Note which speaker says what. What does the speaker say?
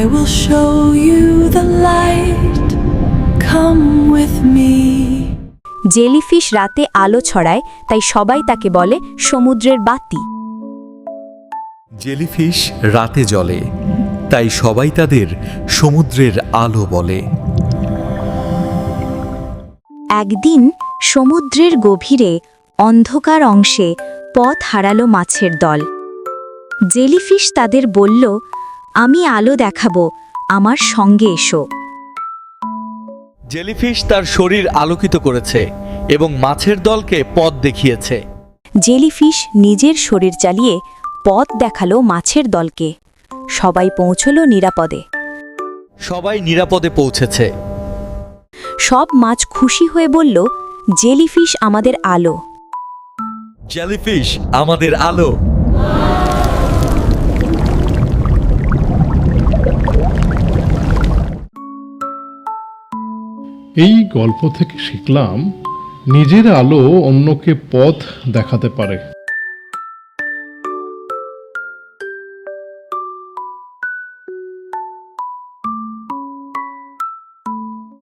Speaker 1: will show you the light. Come with me.
Speaker 2: Jellyfish রাতে আলো ছড়ায়, তাই সবাই তাকে বলে সমুদ্রের বাতি।
Speaker 3: জেলিফিশ রাতে জ্বলে, তাই সবাই তাদের সমুদ্রের আলো বলে।
Speaker 2: একদিন সমুদ্রের গভীরে অন্ধকার অংশে পথ হারালো মাছের দল। জেলিফিশ তাদের বলল, আমি আলো দেখাবো, আমার সঙ্গে এসো।
Speaker 3: জেলিফিশ তার শরীর আলোকিত করেছে এবং মাছের দলকে পথ দেখিয়েছে।
Speaker 2: জেলিফিশ নিজের শরীর চালিয়ে পথ দেখালো মাছের দলকে। সবাই পৌঁছল নিরাপদে।
Speaker 3: সবাই নিরাপদে পৌঁছেছে।
Speaker 2: সব মাছ খুশি হয়ে বলল, জেলিফিশ আমাদের আলো।
Speaker 3: জেলিফিশ আমাদের আলো।
Speaker 4: এই গল্প থেকে শিখলাম, নিজের আলো অন্যকে পথ দেখাতে পারে।